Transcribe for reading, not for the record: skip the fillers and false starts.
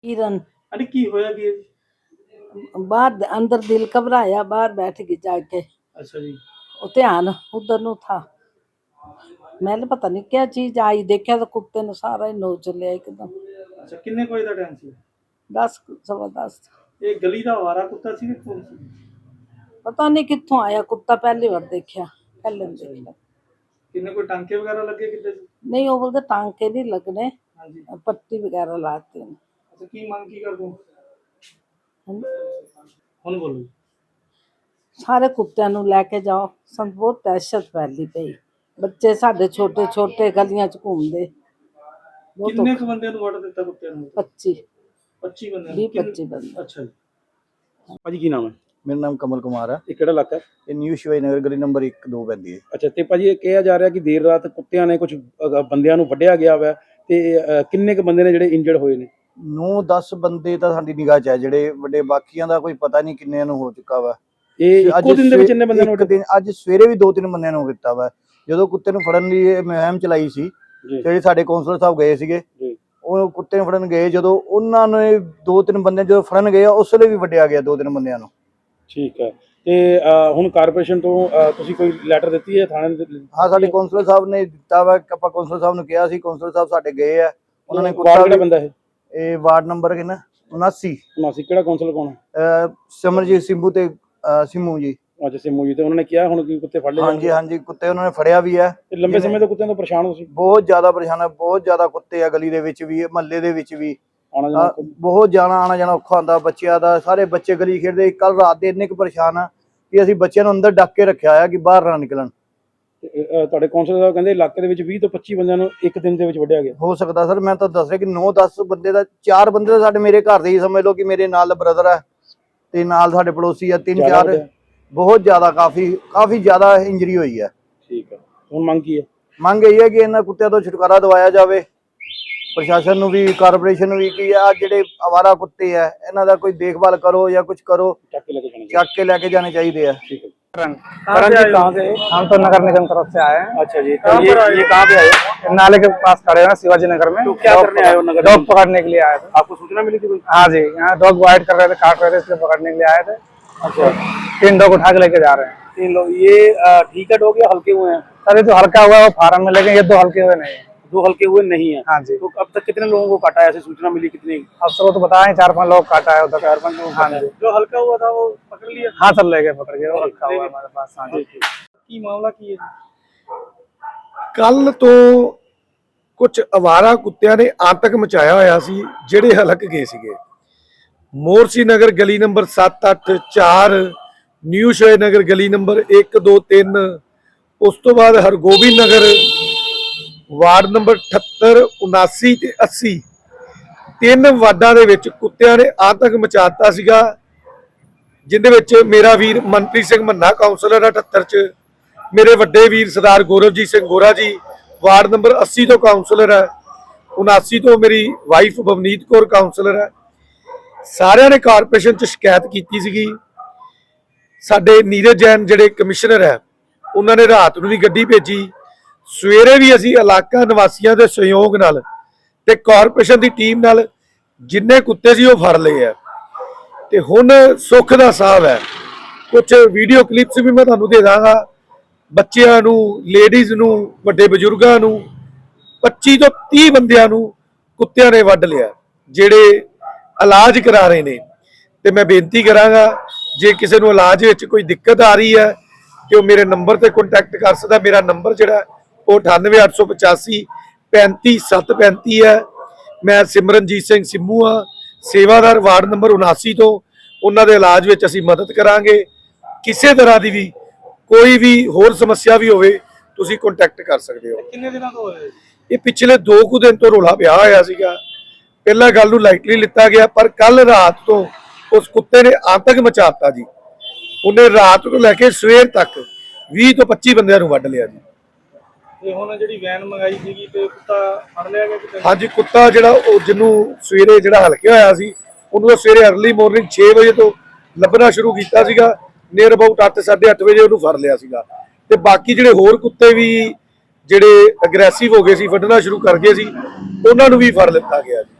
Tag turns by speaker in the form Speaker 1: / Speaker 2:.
Speaker 1: किरण
Speaker 2: अरे की होया कि
Speaker 1: बाहर अंदर दिल घबराया, बाहर बैठ गई जाके।
Speaker 2: अच्छा जी।
Speaker 1: वो ध्यान उधर नु था। मैंने पता नहीं क्या चीज आई, देखा तो कुत्ते ने सारा ही नोच लिया एकदम।
Speaker 2: अच्छा किन्ने कोई दा टाइम सी
Speaker 1: 10 सवा 10।
Speaker 2: ये गली दा आवारा कुत्ता सी कि कौन सी?
Speaker 1: पता नहीं कित्थों आया कुत्ता, पहली बार देखा, पहले नहीं
Speaker 2: अच्छा जी।
Speaker 1: देखा।
Speaker 2: किन्ने कोई टांके वगैरह लगे किते?
Speaker 1: नहीं वो बोलते टांके नहीं लगने,
Speaker 2: हाँ जी।
Speaker 1: पट्टी वगैरह लाते हैं।
Speaker 2: अच्छा की मांग की कर दूं?
Speaker 1: हैं?
Speaker 2: हुन बोलो।
Speaker 1: ਸਾਰੇ ਕੁੱਤਿਆਂ ਨੂੰ ਲੈ ਕੇ ਜਾਓ, ਸਾਨੂੰ ਬਹੁਤ ਦਹਿਸ਼ਤ ਫੈਲੀ ਪਈ। ਬੱਚੇ ਸਾਡੇ ਛੋਟੇ ਛੋਟੇ ਗਲੀਆਂ 'ਚ ਘੁੰਮਦੇ। ਬਹੁਤ
Speaker 2: किन्ने क बंदे नु वड़ दित्ता कुत्ते नु?
Speaker 1: 25
Speaker 2: 25 बंदे
Speaker 1: 20-25 ਬੰਦੇ।
Speaker 2: अच्छा जी। ਭਾਜੀ ਕੀ ਨਾਮ ਹੈ?
Speaker 3: ਮੇਰਾ ਨਾਮ ਕਮਲ ਕੁਮਾਰ ਹੈ।
Speaker 2: ਇਹ ਕਿਹੜਾ ਇਲਾਕਾ ਹੈ?
Speaker 3: ਇਹ ਨਿਊ ਸ਼ਿਵਾਜੀ ਨਗਰ ਗਲੀ ਨੰਬਰ 1-2 ਪੈਂਦੀ ਹੈ।
Speaker 2: ਅੱਛਾ ਤੇ ਭਾਜੀ ਇਹ ਕਿਹਾ ਜਾ ਰਿਹਾ ਕਿ ਦੇਰ ਰਾਤ ਕੁੱਤਿਆਂ ਨੇ ਕੁਝ ਬੰਦਿਆਂ ਨੂੰ ਵੱਢਿਆ ਗਿਆ ਵਾ ਤੇ ਕਿੰਨੇ ਕ ਬੰਦੇ ਨੇ ਜਿਹੜੇ ਇੰਜਰਡ ਹੋਏ ਨੇ?
Speaker 3: 9-10 ਬੰਦੇ ਤਾਂ ਸਾਡੀ ਨਿਗਾਹ 'ਚ ਹੈ ਜਿਹੜੇ ਵੱਡੇ, ਬਾਕੀਆਂ ਦਾ ਕੋਈ ਪਤਾ ਨਹੀਂ ਕਿੰਨਿਆਂ ਨੂੰ ਹੋ ਚੁੱਕਾ ਵਾ।
Speaker 2: ਇਹ ਇੱਕੋ ਦਿਨ ਦੇ ਵਿੱਚ ਇੰਨੇ ਬੰਦਿਆਂ ਨੂੰ
Speaker 3: ਇੱਕ ਦਿਨ ਅੱਜ ਸਵੇਰੇ ਵੀ 2-3 ਬੰਦਿਆਂ ਨੂੰ ਕੀਤਾ ਵਾ। ਜਦੋਂ ਕੁੱਤੇ ਨੂੰ ਫੜਨ ਲਈ ਇਹ ਮੁਹਿੰਮ ਚਲਾਈ ਸੀ, ਜਿਹੜੇ ਸਾਡੇ ਕੌਂਸਲਰ ਸਾਹਿਬ ਗਏ ਸੀਗੇ, ਉਹ ਕੁੱਤੇ ਨੂੰ ਫੜਨ ਗਏ, ਜਦੋਂ ਉਹਨਾਂ ਨੇ 2-3 ਬੰਦੇ ਜਦੋਂ ਫੜਨ ਗਏ ਉਸ ਵੇਲੇ ਵੀ ਵੱਢਿਆ ਗਿਆ 2-3 ਬੰਦਿਆਂ ਨੂੰ।
Speaker 2: ਠੀਕ ਹੈ ਤੇ ਹੁਣ ਕਾਰਪੋਰੇਸ਼ਨ ਤੋਂ ਤੁਸੀਂ ਕੋਈ ਲੈਟਰ ਦਿੱਤੀ ਹੈ ਥਾਣੇ ਦੇ?
Speaker 3: ਹਾਂ ਸਾਡੇ ਕੌਂਸਲਰ ਸਾਹਿਬ ਨੇ ਦਿੱਤਾ ਵਾ, ਆਪਾਂ ਕੌਂਸਲਰ ਸਾਹਿਬ ਨੂੰ ਕਿਹਾ ਸੀ, ਕੌਂਸਲਰ ਸਾਹਿਬ ਸਾਡੇ ਗਏ ਆ, ਉਹਨਾਂ ਨੇ
Speaker 2: ਕੁੱਤਾ ਕਿਹੜਾ ਬੰਦਾ
Speaker 3: ਇਹ ਵਾਰਡ ਨੰਬਰ ਕਿੰਨਾ 79
Speaker 2: ਕਿਹੜਾ ਕੌਂਸਲਰ ਕੌਣ ਹੈ?
Speaker 3: ਸਿਮਰਜੀਤ ਸਿੰਭੂ ਤੇ ਸਿੰਮੂ ਜੀ।
Speaker 2: ਅੱਛਾ ਸਿੰਮੂ ਜੀ, ਤੇ ਉਹਨਾਂ ਨੇ ਕਿਹਾ ਹੁਣ ਕੀ ਕੁੱਤੇ ਫੜ ਲਏ?
Speaker 3: ਹਾਂਜੀ ਕੁੱਤੇ ਉਹਨਾਂ ਨੇ ਫੜਿਆ ਵੀ ਹੈ।
Speaker 2: ਲੰਬੇ ਸਮੇਂ ਤੋਂ ਕੁੱਤਿਆਂ ਤੋਂ ਪਰੇਸ਼ਾਨ ਹੋ ਸੀ?
Speaker 3: ਬਹੁਤ ਜ਼ਿਆਦਾ ਪਰੇਸ਼ਾਨ ਹੈ, ਬਹੁਤ ਜ਼ਿਆਦਾ ਕੁੱਤੇ ਆ ਗਲੀ ਦੇ ਵਿੱਚ ਵੀ, ਮਹੱਲੇ ਦੇ ਵਿੱਚ ਵੀ
Speaker 2: ਆਣਾ ਜਾਣਾ
Speaker 3: ਬਹੁਤ ਜਾਣਾ ਆਣਾ ਜਾਣਾ ਔਖਾ ਹੁੰਦਾ ਬੱਚਿਆਂ ਦਾ। ਸਾਰੇ ਬੱਚੇ ਗਲੀ ਖੇਡਦੇ, ਕੱਲ ਰਾਤ ਦੇ ਇੰਨੇ ਕੁ ਪਰੇਸ਼ਾਨ ਆ ਕਿ ਅਸੀਂ ਬੱਚਿਆਂ ਨੂੰ ਅੰਦਰ ਡੱਕ ਕੇ ਰੱਖਿਆ ਆ ਕਿ ਬਾਹਰ ਨਾ ਨਿਕਲਣ।
Speaker 2: ਤੁਹਾਡੇ ਕੌਂਸਲਰ ਸਾਹਿਬ ਕਹਿੰਦੇ ਇਲਾਕੇ ਦੇ ਵਿੱਚ 20 ਤੋਂ 25 ਬੰਦਿਆਂ ਨੂੰ ਇੱਕ ਦਿਨ ਦੇ ਵਿੱਚ ਵੱਢਿਆ ਗਿਆ।
Speaker 3: ਹੋ ਸਕਦਾ ਸਰ, ਮੈਂ ਤਾਂ ਦੱਸ ਰਿਹਾ ਕਿ 9-10 ਬੰਦੇ ਦਾ, 4 ਬੰਦੇ ਤਾਂ ਸਾਡੇ ਮੇਰੇ ਘਰ ਦੇ ਹੀ ਸਮਝ ਲਓ, ਕਿ ਮੇਰੇ ਨਾਲ ਬ੍ਰਦਰ ਹੈ ਤੇ ਨਾਲ ਸਾਡੇ ਪੜੋਸੀ ਆ 3-4। ਬਹੁਤ ਜ਼ਿਆਦਾ ਕਾਫੀ ਜ਼ਿਆਦਾ ਇੰਜਰੀ ਹੋਈ ਹੈ।
Speaker 2: ਠੀਕ ਹੈ, ਹੁਣ ਮੰਗ ਕੀ ਹੈ?
Speaker 3: ਮੰਗ ਇਹ ਹੈ ਕਿ ਇਹਨਾਂ ਕੁੱਤਿਆਂ ਤੋਂ ਛੁਟਕਾਰਾ ਦਿਵਾਇਆ ਜਾਵੇ, ਪ੍ਰਸ਼ਾਸਨ ਨੂੰ ਵੀ, ਕਾਰਪੋਰੇਸ਼ਨ ਨੂੰ ਵੀ, ਕਿ ਆ ਜਿਹੜੇ ਆਵਾਰਾ ਕੁੱਤੇ ਆ ਇਹਨਾਂ ਦਾ ਕੋਈ ਦੇਖਭਾਲ ਕਰੋ ਜਾਂ कुछ करो, ਚੱਕ ਕੇ ਲੈ ਕੇ ਜਾਣੇ ਚਾਹੀਦੇ ਆ।
Speaker 2: ठीक है।
Speaker 4: करण जी कहाँ से? हम तो नगर निगम तरफ से आए हैं।
Speaker 2: अच्छा जी, तो ये कहाँ पे आए?
Speaker 4: नाले के पास खड़े हैं शिवाजी नगर में।
Speaker 2: तो क्या करने आए हो नगर?
Speaker 4: डॉग पकड़ने के लिए आए थे।
Speaker 2: आपको सूचना मिली थी कोई?
Speaker 4: हाँ जी, यहाँ डॉग वाइट कर रहे थे, काट रहे थे, इसलिए पकड़ने के लिए आए थे।
Speaker 2: अच्छा
Speaker 4: 3 डॉग उठा के लेके जा रहे हैं।
Speaker 2: 3 लोग। ये ठीक है डॉग या हल्के हुए हैं?
Speaker 4: सर ये जो हल्का हुआ है वो फार्म में, लेकिन ये 2 हल्के हुए नहीं है।
Speaker 2: 2 हल्के हुए नहीं है?
Speaker 4: हाँ जी।
Speaker 2: तो अब तक कितने लोगों को काटा है? ऐसी सूचना मिली कितनी?
Speaker 4: अफसर को तो बताए 4-5 लोग काटा है उधर।
Speaker 2: 4-5 लोग।
Speaker 4: हाँ जी।
Speaker 2: जो हल्का हुआ था वो पकड़ लिया?
Speaker 4: हाँ सर ले गए पकड़ के, वो रखा हुआ है हमारे पास। हाँ जी।
Speaker 2: की मामला की है?
Speaker 5: ਕੱਲ ਤੋਂ ਕੁਝ ਅਵਾਰਾ ਕੁੱਤਿਆਂ ਨੇ ਆਤੰਕ ਮਚਾਇਆ ਹੋਇਆ ਸੀ, ਜਿਹੜੇ ਹਲਕ ਗਏ ਸੀਗੇ ਮੋਰਸੀ ਨਗਰ ਗਲੀ ਨੰਬਰ 7-8-4, ਨਿਊ ਸ਼ਿਵਾਜੀ ਨਗਰ ਗਲੀ ਨੰਬਰ 1-2-3, ਉਸ ਤੋਂ ਬਾਅਦ ਹਰਗੋਬਿੰਦ ਨਗਰ ਵਾਰਡ ਨੰਬਰ 78, 79 ਤੇ 80, 3 ਵਾਰਡਾਂ ਦੇ ਵਿੱਚ ਕੁੱਤਿਆਂ ਨੇ ਆਤੰਕ ਮਚਾਤਾ ਸੀਗਾ, ਜਿੰਦੇ ਵਿੱਚ ਮੇਰਾ ਵੀਰ ਮਨਪ੍ਰੀਤ ਸਿੰਘ ਮੰਨਾ ਕਾਉਂਸਲਰ 78 ਚ, ਮੇਰੇ ਵੱਡੇ ਵੀਰ ਸਰਦਾਰ ਗੌਰਵਜੀਤ ਸਿੰਘ ਗੋਰਾ ਜੀ ਵਾਰਡ ਨੰਬਰ 80 ਤੋਂ ਕਾਉਂਸਲਰ ਹੈ, 79 ਤੋਂ ਮੇਰੀ ਵਾਈਫ ਬਵਨੀਤ ਕੌਰ ਕਾਉਂਸਲਰ ਹੈ। ਸਾਰਿਆਂ ਨੇ ਕਾਰਪੋਰੇਸ਼ਨ ਚ ਸ਼ਿਕਾਇਤ ਕੀਤੀ ਸੀਗੀ। ਸਾਡੇ ਨੀਰਜ ਜੈਨ ਜਿਹੜੇ ਕਮਿਸ਼ਨਰ ਹੈ, ਉਹਨਾਂ ਨੇ ਰਾਤ ਨੂੰ ਵੀ ਗੱਡੀ ਭੇਜੀ, ਸਵੇਰੇ ਵੀ ਅਸੀਂ ਇਲਾਕਾ ਨਿਵਾਸੀਆਂ ਦੇ ਸਹਿਯੋਗ ਨਾਲ ਤੇ ਕਾਰਪੋਰੇਸ਼ਨ ਦੀ ਟੀਮ ਨਾਲ ਜਿੰਨੇ ਕੁੱਤੇ ਸੀ ਉਹ ਫੜ ਲਏ ਆ। ਤੇ ਹੁਣ ਸੁੱਖ ਦਾ ਸਾਹ ਹੈ, ਕੁਝ ਵੀਡੀਓ ਕਲਿੱਪਸ ਵੀ ਮੈਂ ਤੁਹਾਨੂੰ ਦੇ ਦਾਂਗਾ। ਬੱਚਿਆਂ ਨੂੰ, ਲੇਡੀਜ਼ ਨੂੰ, ਵੱਡੇ ਬਜ਼ੁਰਗਾਂ ਨੂੰ, 25 ਤੋਂ 30 ਬੰਦਿਆਂ ਨੂੰ ਕੁੱਤਿਆਂ ਨੇ ਵੱਢ ਲਿਆ, ਜਿਹੜੇ ਇਲਾਜ ਕਰਾ ਰਹੇ ਨੇ। ਤੇ ਮੈਂ ਬੇਨਤੀ ਕਰਾਂਗਾ, ਜੇ ਕਿਸੇ ਨੂੰ ਇਲਾਜ ਵਿੱਚ ਕੋਈ ਦਿੱਕਤ ਆ ਰਹੀ ਹੈ ਕਿ ਉਹ ਮੇਰੇ ਨੰਬਰ ਤੇ ਕੰਟੈਕਟ ਕਰ ਸਕਦਾ। ਮੇਰਾ ਨੰਬਰ ਜਿਹੜਾ ਉਹ 98 885 35 735 ਹੈ। ਮੈਂ ਸਿਮਰਨਜੀਤ ਸਿੰਘ ਸਿੰਮੂ ਆ, ਸੇਵਾਦਾਰ ਵਾਰਡ ਨੰਬਰ 79 ਤੋਂ। ਉਹਨਾਂ ਦੇ ਇਲਾਜ ਵਿੱਚ ਅਸੀਂ ਮਦਦ ਕਰਾਂਗੇ। ਕਿਸੇ ਤਰ੍ਹਾਂ ਦੀ ਵੀ ਕੋਈ ਵੀ ਹੋਰ ਸਮੱਸਿਆ ਵੀ ਹੋਵੇ, ਤੁਸੀਂ ਕੰਟੈਕਟ ਕਰ ਸਕਦੇ ਹੋ।
Speaker 2: ਕਿੰਨੇ ਦਿਨਾਂ ਤੋਂ ਹੋਇਆ?
Speaker 5: ਇਹ ਪਿਛਲੇ 2 ਕੁ ਦਿਨ ਤੋਂ ਰੌਲਾ ਪਿਆ ਹੋਇਆ ਸੀਗਾ। ਪਹਿਲਾਂ ਗੱਲ ਨੂੰ ਲਾਈਟਲੀ ਲਿੱਤਾ ਗਿਆ, ਪਰ ਕੱਲ ਰਾਤ ਤੋਂ ਉਸ ਕੁੱਤੇ ਨੇ ਆਤੰਕ ਮਚਾਤਾ ਜੀ। ਉਹਨੇ ਰਾਤ ਤੋਂ ਲੈ ਕੇ ਸਵੇਰ ਤੱਕ 20 ਤੋਂ 25 ਬੰਦਿਆਂ ਨੂੰ ਵੱਢ ਲਿਆ ਜੀ।
Speaker 2: ਤੇ ਹੁਣ ਜਿਹੜੀ ਵੈਨ ਮੰਗਾਈ ਸੀਗੀ ਤੇ ਕੁੱਤਾ ਫੜ ਲਿਆ ਗਿਆ ਕਿਤੇ?
Speaker 5: ਹਾਂਜੀ, ਕੁੱਤਾ ਜਿਹੜਾ ਉਹ ਜਿਹਨੂੰ ਸਵੇਰੇ ਜਿਹੜਾ ਹਲਕਿਆ ਹੋਇਆ ਸੀ, ਉਹਨੂੰ ਸਵੇਰੇ ਅਰਲੀ ਮਾਰਨਿੰਗ 6 ਵਜੇ ਤੋਂ ਲੱਭਣਾ ਸ਼ੁਰੂ ਕੀਤਾ ਸੀਗਾ। ਨੀਅਰ ਅਬਾਊਟ 8-8:30 ਵਜੇ ਉਹਨੂੰ ਫੜ ਲਿਆ ਸੀਗਾ। ਤੇ ਬਾਕੀ ਜਿਹੜੇ ਹੋਰ ਕੁੱਤੇ ਵੀ ਜਿਹੜੇ ਅਗਰੈਸਿਵ ਹੋ ਗਏ ਸੀ, ਵੱਢਣਾ ਸ਼ੁਰੂ ਕਰ ਗਏ ਸੀ, ਉਹਨਾਂ ਨੂੰ ਵੀ ਫੜ ਲਿੱਤਾ ਗਿਆ ਜੀ।